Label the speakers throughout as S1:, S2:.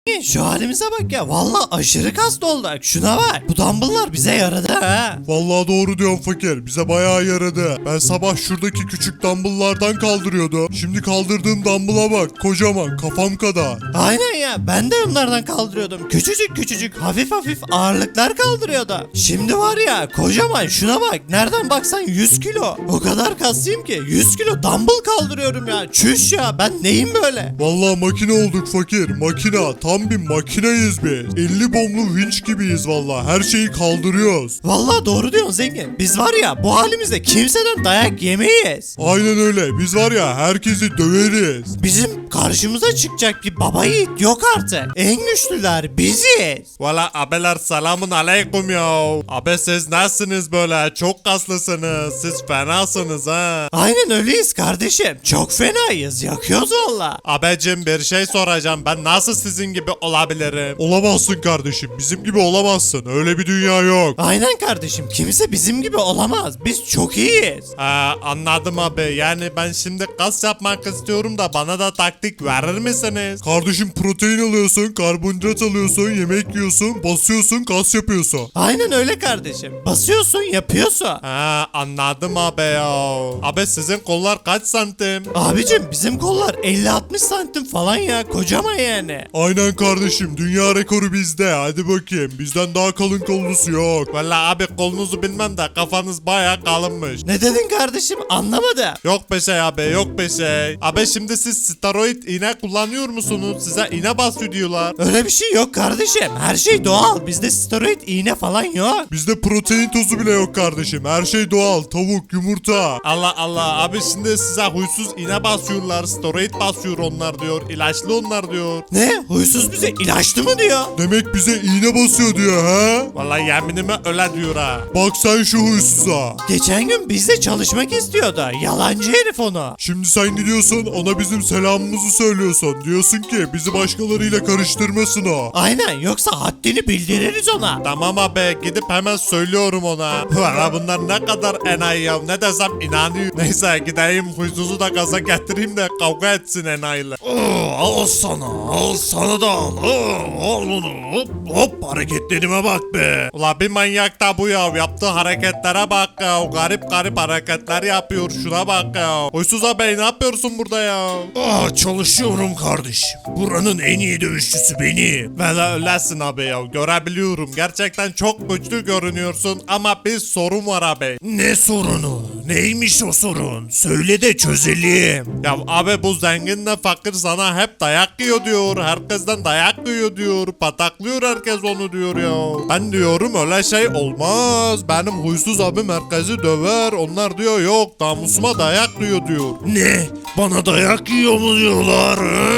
S1: Şu halimize bak ya. Vallahi aşırı kaslı olduk. Şuna bak. Bu dumbbell'lar bize yaradı ha.
S2: Vallahi doğru diyorsun fakir. Bize bayağı yaradı. Ben sabah şuradaki küçük dumbbell'lardan kaldırıyordum. Şimdi kaldırdığım dumbbell'a bak. Kocaman, kafam kadar.
S1: Aynen ya. Ben de onlardan kaldırıyordum. Küçücük küçücük hafif hafif ağırlıklar kaldırıyordum. Şimdi var ya kocaman şuna bak. Nereden baksan 100 kilo. O kadar kaslıyım ki 100 kilo dumbbell kaldırıyorum ya. Çüş ya, ben neyim böyle?
S2: Vallahi makine olduk fakir. Makina. Tam bir makineyiz biz. 50 bomlu vinç gibiyiz vallahi. Her şeyi kaldırıyoruz.
S1: Vallahi doğru diyorsun zengin. Biz var ya bu halimizde kimseden dayak yemeyiz.
S2: Aynen öyle. Biz var ya herkesi döveriz.
S1: Bizim karşımıza çıkacak bir baba yiğit yok artık. En güçlüler biziz.
S2: Valla abeler selamun aleyküm ya. Abe siz nasılsınız böyle? Çok kaslısınız. Siz fenasınız ha.
S1: Aynen öyleyiz kardeşim. Çok fenayız. Yakıyoruz valla.
S2: Abecim bir şey soracağım. Ben nasıl sizin gibi olabilirim? Olamazsın kardeşim. Bizim gibi olamazsın. Öyle bir dünya yok.
S1: Aynen kardeşim. Kimse bizim gibi olamaz. Biz çok iyiyiz.
S2: Anladım abi. Yani ben şimdi kas yapmak istiyorum da bana da taktik verir misiniz? Kardeşim protein alıyorsun, karbonhidrat alıyorsun, yemek yiyorsun, basıyorsun, kas yapıyorsun.
S1: Aynen öyle kardeşim. Basıyorsun yapıyorsun.
S2: Anladım abi ya. Abi sizin kollar kaç santim?
S1: Abicim bizim kollar 50-60 santim falan ya. Kocaman yani.
S2: Aynen kardeşim, dünya rekoru bizde. Hadi bakayım, bizden daha kalın kollusu yok. Valla abi kolunuzu bilmem de kafanız baya kalınmış.
S1: Ne dedin kardeşim? Anlamadım.
S2: Yok be şey abi, yok be şey. Abi şimdi siz steroid iğne kullanıyor musunuz? Size iğne basıyor diyorlar.
S1: Öyle bir şey yok kardeşim. Her şey doğal. Bizde steroid iğne falan yok.
S2: Bizde protein tozu bile yok kardeşim. Her şey doğal. Tavuk, yumurta. Allah Allah. Abi şimdi size huysuz iğne basıyorlar. Steroid basıyor onlar diyor. İlaçlı onlar diyor.
S1: Ne? Huysuz bize ilaçlı mı diyor?
S2: Demek bize iğne basıyor diyor ha? Vallahi yeminime öyle diyor ha. Bak sen şu huysuza.
S1: Geçen gün bizde çalışmak istiyordu. Yalancı herif onu.
S2: Şimdi sen gidiyorsun ona bizim selamımızı söylüyorsun. Diyorsun ki bizi başkalarıyla karıştırmasın o.
S1: Aynen, yoksa haddini bildiririz ona.
S2: Tamam abi gidip hemen söylüyorum ona. Valla bunlar ne kadar enayi ya. Ne desem inanıyor. Neyse gideyim huysuzu da gaza getireyim de kavga etsin enayiyle.
S1: Al sana da al. Al onu. Hop hareketlerime bak be.
S2: Ula bir manyak da bu ya. Yaptığı hareketlere bak ya. Garip garip hareketler yapıyor. Şuna bak ya. Huysuz abi ne yapıyorsun burada ya?
S1: Çalışıyorum kardeşim. Buranın en iyi dövüşçüsü benim.
S2: Valla öylesin abi ya. Görebiliyorum. Gerçekten çok güçlü görünüyorsun ama bir sorun var abi.
S1: Ne sorunu? Neymiş o sorun? Söyle de çözelim.
S2: Ya abi bu zenginle fakir sana hep dayak yiyor diyor. Herkesten dayak yiyor diyor. Pataklıyor herkes onu diyor ya. Ben diyorum öyle şey olmaz. Benim huysuz abim herkesi döver. Onlar diyor yok namusuma dayak yiyor diyor.
S1: Ne? Bana dayak yiyor mu diyorlar?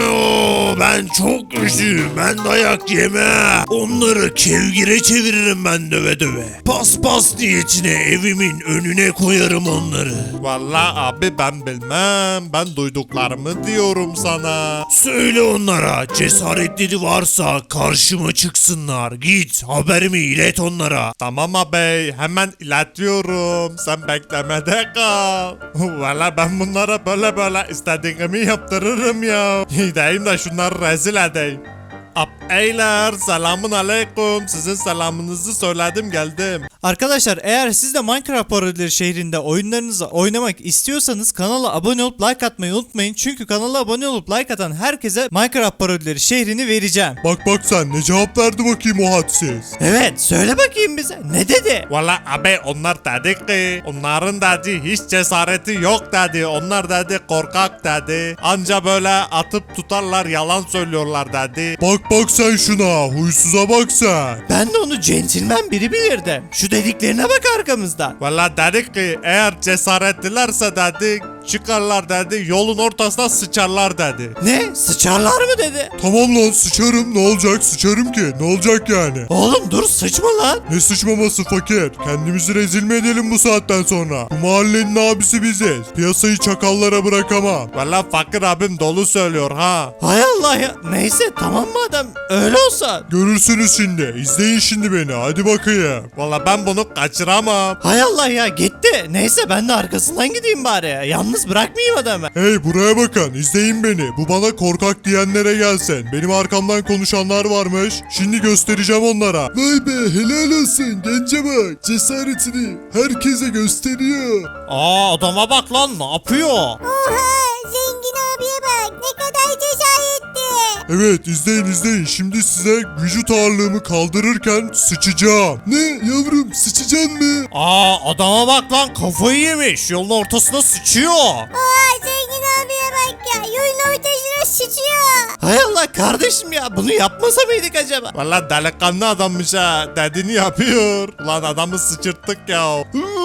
S1: Ben çok güçlüyüm. Ben dayak yemem. Onları kevgire çeviririm ben döve döve. Paspas niyetine evimin önüne koyarım onları.
S2: Vallahi abi ben bilmem. Ben duyduklarımı diyorum sana.
S1: Söyle onlara, cesaretleri varsa karşıma çıksınlar. Git haberimi ilet onlara.
S2: Tamam abi hemen iletiyorum. Sen beklemede kal. Valla ben bunlara böyle istediğimi yaptırırım ya. Gideyim de şunları rezil edeyim. Beyler selamun aleyküm. Sizin selamınızı söyledim geldim.
S1: Arkadaşlar eğer siz de Minecraft parodileri şehrinde oyunlarınızı oynamak istiyorsanız kanala abone olup like atmayı unutmayın. Çünkü kanala abone olup like atan herkese Minecraft parodileri şehrini vereceğim.
S2: Bak sen ne cevap verdi bakayım o hadsiz.
S1: Evet, söyle bakayım bize. Ne dedi?
S2: Valla abi onlar dedi ki onların dedi hiç cesareti yok dedi. Onlar dedi korkak dedi. Anca böyle atıp tutarlar yalan söylüyorlar dedi. Bak sen şuna huysuza bak sen.
S1: Ben de onu centilmen biri bilirdim. Şu dediklerine bak arkamızda.
S2: Valla dedik ki eğer cesaretlilerse dedi çıkarlar dedi yolun ortasına sıçarlar dedi.
S1: Ne? Sıçarlar mı dedi?
S2: Tamam lan sıçarım ne olacak sıçarım ki ne olacak yani.
S1: Oğlum dur, sıçma lan.
S2: Ne sıçmaması fakir kendimizi rezil mi edelim bu saatten sonra. Bu mahallenin abisi biziz piyasayı çakallara bırakamam. Valla fakir abim dolu söylüyor ha.
S1: Hay Allah ya. Neyse tamam madem öyle olsa.
S2: Görürsünüz şimdi izleyin şimdi beni hadi bakayım. Valla ben bunu kaçıramam.
S1: Hay Allah ya, gitti. Neyse ben de arkasından gideyim bari. Yanlış yalnız bırakmayayım adamı.
S2: Hey buraya bakın izleyin beni. Bu bana korkak diyenlere gelsin. Benim arkamdan konuşanlar varmış. Şimdi göstereceğim onlara. Vay be helal olsun gence bak. Cesaretini herkese gösteriyor.
S1: Aa adama bak lan, ne yapıyor?
S3: Oha zengin abiye bak ne kadar cesaretli.
S2: Evet izleyin. Şimdi size vücut ağırlığımı kaldırırken sıçacağım. Ne yavrum sıçacaksın mı?
S1: Aa adama bak lan, kafayı yemiş, yolun ortasına sıçıyor.
S3: Oha zengin abiye bak ya yolun ortasına sıçıyor.
S1: Hay Allah kardeşim ya, bunu yapmasa mıydık acaba?
S2: Valla delikanlı adammış ha. Dediğini yapıyor. Ulan adamı sıçırttık ya.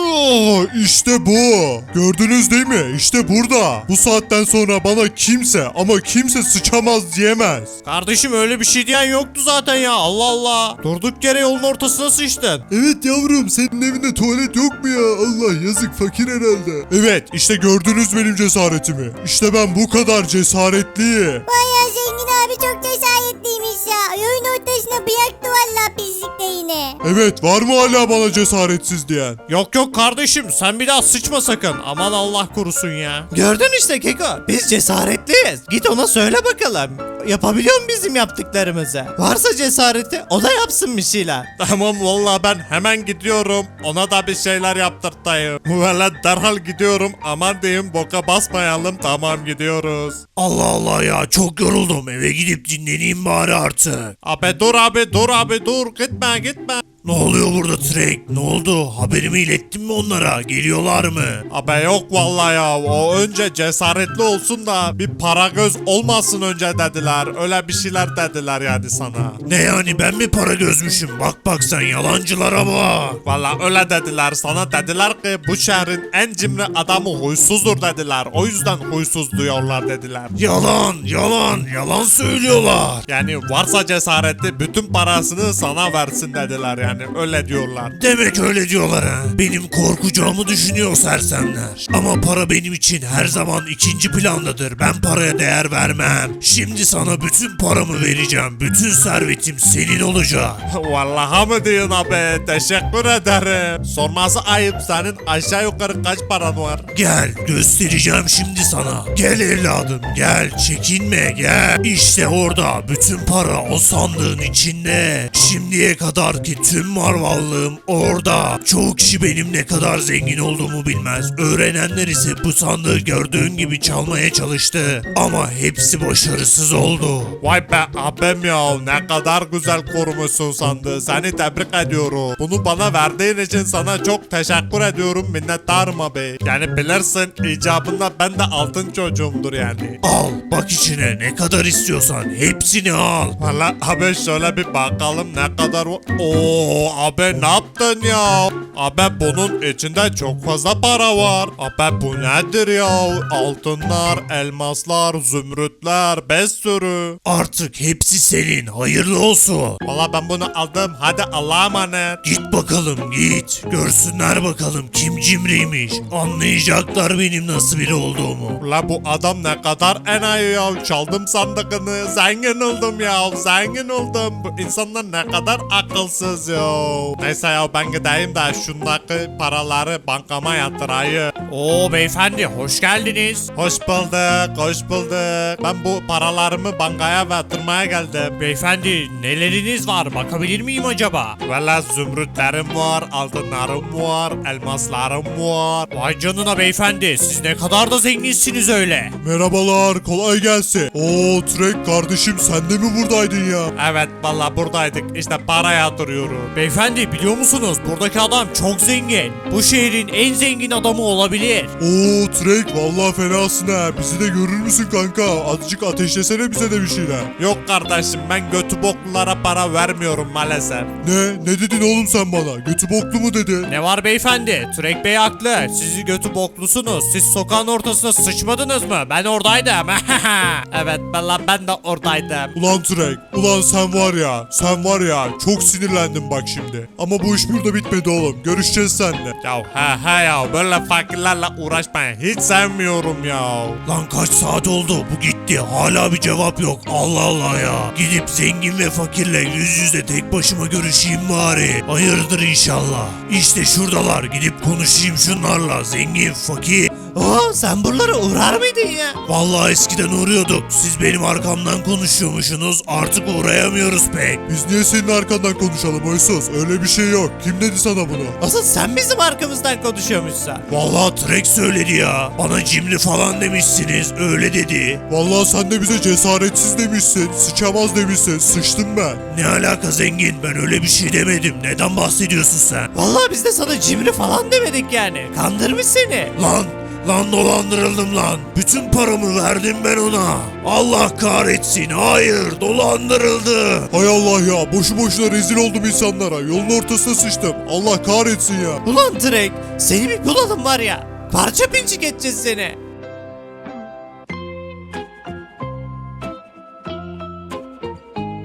S2: İşte bu. Gördünüz değil mi? İşte burada. Bu saatten sonra bana kimse sıçamaz diyemez.
S1: Kardeşim öyle bir şey diyen yoktu zaten ya, Allah Allah. Durduk yere yolun ortasına sıçtın.
S2: Evet yavrum senin evinde tuvalet yok mu ya? Allah yazık fakir herhalde. Evet işte gördünüz benim cesaretimi. İşte ben bu kadar cesaretliyim.
S3: Bayağı zengin abi çok cesaretliymiş ya. Yolun ortasına bıraktı valla pislikte yine.
S2: Evet var mı hala bana cesaretsiz diyen?
S1: Yok kardeşim, sen bir daha sıçma sakın. Aman Allah korusun ya. Gördün işte Keko, biz cesaretliyiz. Git ona söyle bakalım. Yapabiliyor mu bizim yaptıklarımızı? Varsa cesareti o da yapsın bir şeyler.
S2: Tamam valla ben hemen gidiyorum. Ona da bir şeyler yaptırtayım. Valla derhal gidiyorum. Aman diyeyim boka basmayalım. Tamam gidiyoruz.
S1: Allah Allah ya, çok yoruldum, eve gidip dinleneyim bari artık.
S2: Abi dur gitme.
S1: Ne oluyor burada Trek? Ne oldu? Haberimi ilettin mi onlara? Geliyorlar mı?
S2: Abi yok vallahi ya. O önce cesaretli olsun da bir para göz olmasın önce dediler. Öyle bir şeyler dediler yani sana.
S1: Ne yani, ben mi para gözmüşüm? Bak sen, yalancılara bak.
S2: Valla öyle dediler. Sana dediler ki bu şehrin en cimri adamı huysuzdur dediler. O yüzden huysuz diyorlar dediler.
S1: Yalan söylüyorlar.
S2: Yani varsa cesareti bütün parasını sana versin dediler yani öyle diyorlar.
S1: Demek öyle diyorlar ha. Benim korkacağımı düşünüyor sersemler. Ama para benim için her zaman ikinci plandadır. Ben paraya değer vermem. Şimdi sana bütün paramı vereceğim. Bütün servetim senin olacak.
S2: Vallahi mı diyorsun abi? Teşekkür ederim. Sorması ayıp senin aşağı yukarı kaç paran var?
S1: Gel, göstereceğim şimdi sana. Gel evladım, gel, çekinme, gel. İşte orada bütün para o sandığın içinde. Şimdiye kadar ki tüm varlığım orada. Çoğu kişi benim ne kadar zengin olduğumu bilmez. Öğrenenler ise bu sandığı gördüğün gibi çalmaya çalıştı. Ama hepsi başarısız oldu.
S2: Vay be abim ya ne kadar güzel korumuşsun sandığı. Seni tebrik ediyorum. Bunu bana verdiğin için sana çok teşekkür ediyorum. Minnettarım abi. Yani bilirsin icabında ben de altın çocuğumdur yani.
S1: Al, bak içine, ne kadar istiyorsan hepsini al.
S2: Valla abi şöyle bir bakalım ne kadar var. Oo abi ne yaptın ya? Abi bunun içinde çok fazla para var. Abi bu nedir ya? Altınlar, elmaslar, zümrütler, 5 sürü.
S1: Artık hepsi senin, hayırlı olsun.
S2: Valla ben bunu aldım. Hadi Allah'a emanet.
S1: Git bakalım git. Görsünler bakalım kim cimriymiş. Anlayacaklar benim nasıl biri olduğumu.
S2: Ula bu adam ne kadar enayi ya. Çaldım sandığını. Zengin oldum ya. Zengin oldum. Bu insanlar ne kadar akılsız ya. Neyse ya ben gideyim de şundaki paraları bankama yatırayım.
S1: Oo beyefendi, hoş geldiniz.
S2: Hoş bulduk. Ben bu paralarımı bankaya yatırmaya geldim.
S1: Beyefendi, neleriniz var, bakabilir miyim acaba?
S2: Valla zümrütlerim var, altınlarım var, elmaslarım var.
S1: Vay canına beyefendi, siz ne kadar da zenginsiniz öyle.
S2: Merhabalar, kolay gelsin. Oo Trek kardeşim sen de mi buradaydın ya? Evet valla buradaydık. İşte para yatırıyorum.
S1: Beyefendi, biliyor musunuz, buradaki adam çok zengin. Bu şehrin en zengin adamı olabilir.
S2: Oo Trek vallahi fenasın ha. Bizi de görür müsün kanka? Azıcık ateşlesene bize de bir şeyler. Yok kardeşim ben götü boklulara para vermiyorum maalesef. Ne dedin oğlum sen bana? Götü boklu mu dedin?
S1: Ne var beyefendi? Türek Bey haklı. Sizi götü boklusunuz. Siz sokağın ortasına sıçmadınız mı? Ben oradaydım. Evet ben de oradaydım.
S2: Ulan Trek, ulan sen var ya çok sinirlendim bak şimdi. Ama bu iş burada bitmedi oğlum. Görüşeceğiz seninle. Ya he ya böyle fakirlerle uğraşmayın. Hiç sevmiyorum ya.
S1: Lan kaç saat oldu? Bu gitti. Hala bir cevap yok. Allah Allah ya. Gidip zengin ve fakirle yüz yüze tek başıma görüşeyim bari. Hayırdır inşallah. İşte şuradalar. Gidip konuşayım şunlarla. Zengin, fakir. Oo sen buralara uğrar mıydın ya?
S4: Vallahi eskiden uğruyorduk. Siz benim arkamdan konuşuyormuşsunuz. Artık uğrayamıyoruz pek.
S2: Biz niye senin arkandan konuşalım Huysuz? Öyle bir şey yok. Kim dedi sana bunu?
S1: Asıl sen bizim arkamızdan konuşuyormuşsun.
S4: Vallahi Trek söyledi ya. Bana cimri falan demişsiniz. Öyle dedi.
S2: Vallahi sen de bize cesaretsiz demişsin. Sıçamaz demişsin. Sıçtım ben.
S4: Ne alaka zengin? Ben öyle bir şey demedim. Neden bahsediyorsun sen?
S1: Vallahi biz de sana cimri falan demedik yani. Kandırmış seni.
S4: Lan dolandırıldım lan. Bütün paramı verdim ben ona. Allah kahretsin. Hayır dolandırıldı.
S2: Hay Allah ya. Boşu boşuna rezil oldum insanlara. Yolun ortasına sıçtım. Allah kahretsin ya.
S1: Ulan Drake seni bir bulalım var ya. Parça pinçik edeceğiz seni.